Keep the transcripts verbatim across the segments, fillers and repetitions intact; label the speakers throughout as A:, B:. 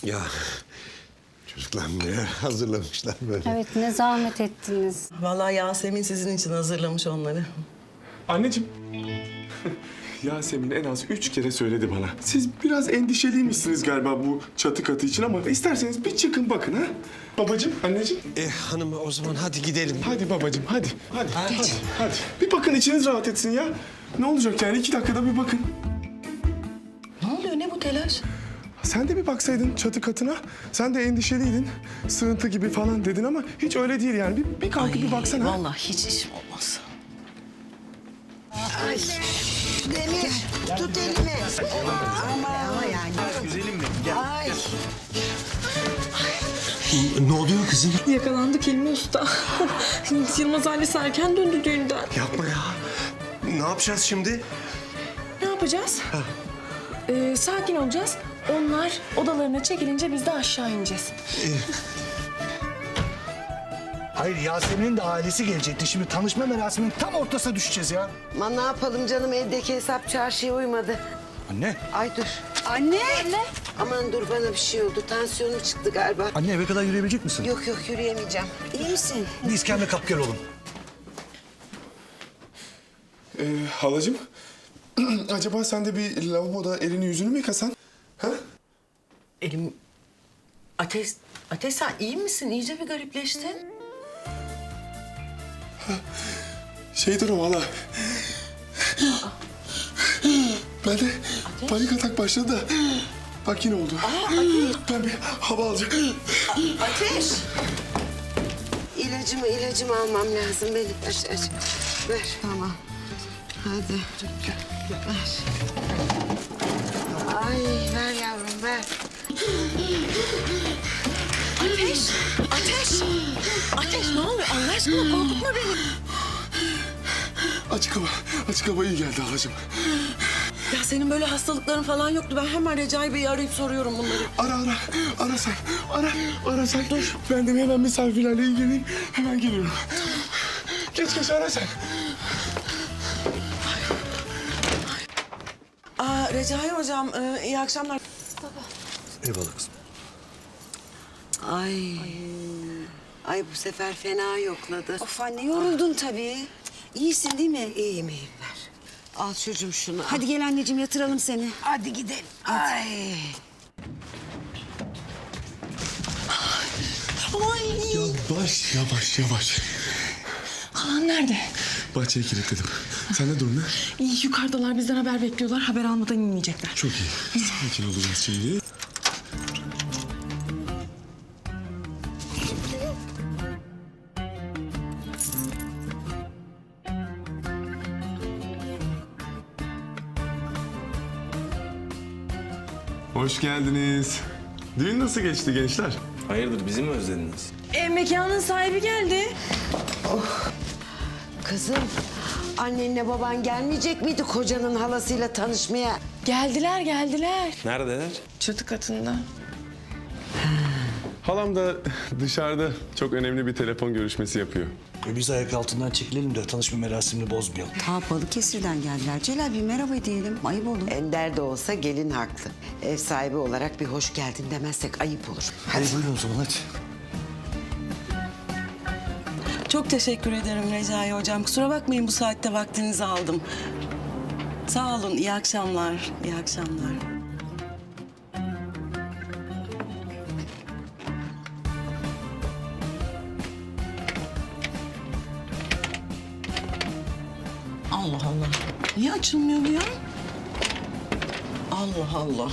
A: Ya çocuklar neler hazırlamışlar böyle.
B: Evet, ne zahmet ettiniz.
C: Vallahi Yasemin sizin için hazırlamış onları.
D: Anneciğim. Yasemin en az üç kere söyledi bana. Siz biraz endişeliymişsiniz galiba bu çatı katı için ama isterseniz bir çıkın bakın ha. Babacığım, anneciğim.
A: E, hanım o zaman hadi gidelim.
D: Hadi babacığım, hadi. Hadi, hadi, hadi. Bir bakın içiniz rahat etsin ya. Ne olacak yani iki dakikada bir bakın.
C: Ne oluyor, ne bu telaş?
D: Sen de bir baksaydın çatı katına. Sen de endişeliydin. Sığıntı gibi falan dedin ama hiç öyle değil yani. Bir, bir kalkıp bir baksana.
C: Vallahi hiç işim olmaz.
E: Ay. Demir, tut elimi. Ama, ama yani.
F: Güzelim mi? Gel.
E: Ay.
A: Ne oluyor kızım?
G: Yakalandık Hilmi Usta. Yılmaz ailesi erken döndü düğünden.
A: Yapma ya. Ne yapacağız şimdi?
G: Ne yapacağız? Ee, sakin olacağız. Onlar odalarına çekilince biz de aşağı ineceğiz.
F: Hayır, Yasemin'in de ailesi gelecekti. Şimdi tanışma merasiminin tam ortasına düşeceğiz ya.
E: Aman ne yapalım canım, evdeki hesap çarşıya uymadı.
F: Anne.
E: Ay dur. Anne. Anne. Aman dur, bana bir şey oldu. Tansiyonum çıktı galiba.
F: Anne eve kadar yürüyebilecek misin?
E: Yok yok, yürüyemeyeceğim. İyi misin?
F: Bir iskemle kap gel oğlum.
D: Ee, halacığım. Acaba sen de bir lavaboda elini yüzünü mü yıkasan? Ha?
C: Elim... Ateş, Ateş sen iyi misin? İyice bir garipleştin.
D: Şeydir o valla. Ben de panik atak başladı da. Bak yine oldu. Ben bir hava alacağım.
E: Ateş. İlacımı, ilacımı almam lazım benim. Aç, aç. Ver. Tamam. Hadi. Ver. Ay, ver yavrum, ver.
C: Ateş! Ateş! Ateş ne oluyor? Allah aşkına korkutma beni.
D: Açık hava, açık hava iyi geldi halacığım.
C: Ya senin böyle hastalıkların falan yoktu. Ben hemen Recai Bey'i arayıp soruyorum bunları.
D: Ara ara, ara sen, ara, ara sen. Dur. Ben de hemen misafirlerle ilgileneyim, hemen geliyorum. Geç geç ara sen.
C: Aa, Recai hocam e, iyi akşamlar.
F: Eyvallah kızım.
E: Ay. Ay bu sefer fena yokladı.
H: Of anne yoruldun tabii. İyisin değil mi?
E: İyiyim, iyiyim, ver. Al çocuğum şunu.
H: Hadi gel anneciğim yatıralım seni.
E: Hadi gidelim. Ay.
C: Ay.
D: Yavaş, yavaş, yavaş.
G: Halan nerede?
D: Bahçeye kilitledim. Sen ne durum ne?
G: İyi, yukarıdalar bizden haber bekliyorlar. Haber almadan inmeyecekler.
D: Çok iyi. Sakin olacağız şimdi. Hoş geldiniz. Düğün nasıl geçti gençler?
I: Hayırdır, bizi mi özlediniz?
G: E, mekanın sahibi geldi.
E: Kızım, annenle baban gelmeyecek miydi kocanın halasıyla tanışmaya?
G: Geldiler, geldiler.
I: Neredeler?
G: Çatı katında.
D: Halam da dışarıda çok önemli bir telefon görüşmesi yapıyor.
F: E biz ayak altından çekilelim de tanışma merasimini bozmayalım.
H: Ta Balıkesir'den geldiler. Celal bir merhaba diyelim. Ayıp olur.
E: Ender de olsa gelin haklı. Ev sahibi olarak bir hoş geldin demezsek ayıp olur.
F: Hadi buyurun o zaman hadi.
C: Çok teşekkür ederim Recai hocam. Kusura bakmayın bu saatte vaktinizi aldım. Sağ olun, iyi akşamlar. İyi akşamlar. Allah Allah. Niye açılmıyor bu ya? Allah Allah.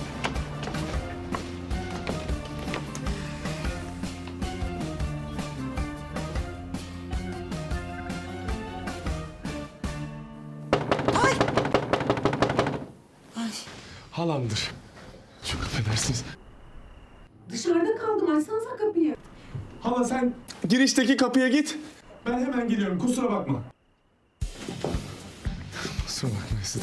D: Halamdır. Çok affedersiniz.
G: Dışarıda kaldım. Açsanıza kapıyı.
D: Hala sen girişteki kapıya git. Ben hemen geliyorum. Kusura bakma. Kusura bakma size.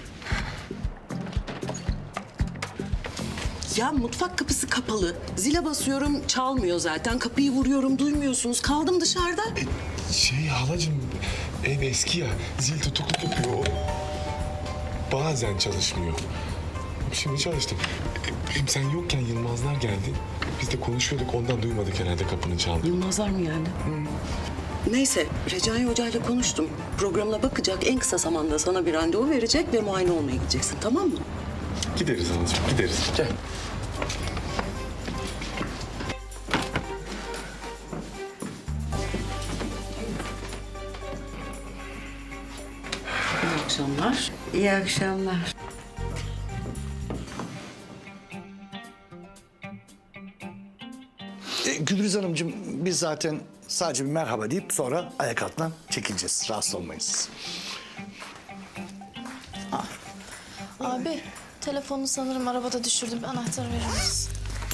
C: Ya mutfak kapısı kapalı. Zile basıyorum, çalmıyor zaten. Kapıyı vuruyorum, duymuyorsunuz. Kaldım dışarıda.
D: Şey halacığım, ev eski ya. Zil tutukluk yapıyor. O bazen çalışmıyor. Şimdi çalıştım. Hem sen yokken Yılmazlar geldi. Biz de konuşuyorduk, ondan duymadık herhalde kapının çaldığını.
C: Yılmazlar mı geldi? Neyse, Recai Hoca ile konuştum. Programına bakacak, en kısa zamanda sana bir randevu verecek ve muayene olmaya gideceksin, tamam mı?
D: Gideriz anacığım, gideriz. Gel.
C: İyi akşamlar.
E: İyi akşamlar.
F: E, Gülriz Hanımcığım biz zaten sadece bir merhaba deyip sonra ayak altından çekileceğiz. Rahatsız olmayız.
G: Abi telefonu sanırım arabada düşürdüm. Bir anahtarı verir misin?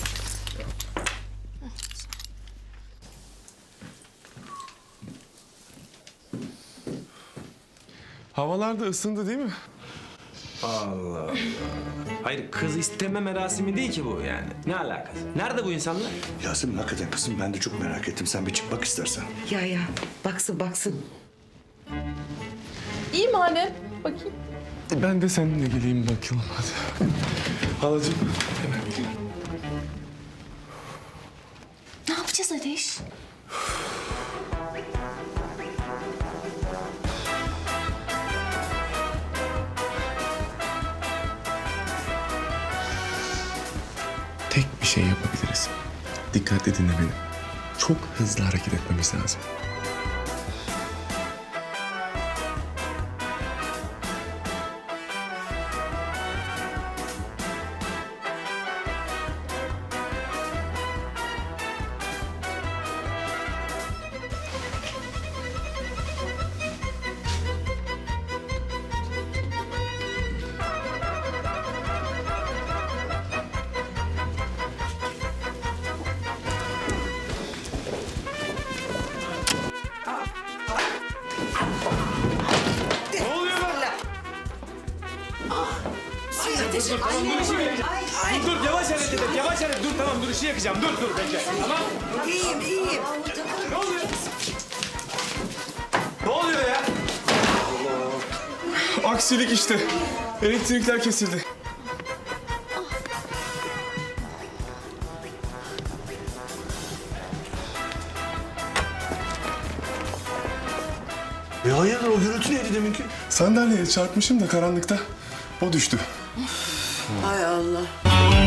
D: Havalar da ısındı değil mi?
I: Allah Allah. Hayır kız isteme merasimi değil ki bu yani. Ne alakası? Nerede bu insanlar?
F: Yasemin hakikaten kızım ben de çok merak ettim. Sen bir çık bak istersen.
E: Ya ya baksın baksın.
G: İyi mi anne? Bakayım.
D: Ben de seninle geleyim bakalım hadi. Halacığım hemen geleyim.
G: Ne yapacağız Ateş?
D: Tek bir şey yapabiliriz. Dikkatli dinle beni. Çok hızlı hareket etmemiz lazım.
I: Dur yavaş hareket et, yavaş hareket. Dur tamam dur ışığı yakacağım. Dur dur bekle. Tamam.
E: İyiyim iyiyim.
I: Ne oluyor? Ne oluyor ya?
D: Aksilik işte. Elektrikler kesildi.
F: E hayırdır o gürültü neydi deminki?
D: Sandalyeye çarpmışım da karanlıkta. O düştü.
E: Hay Allah.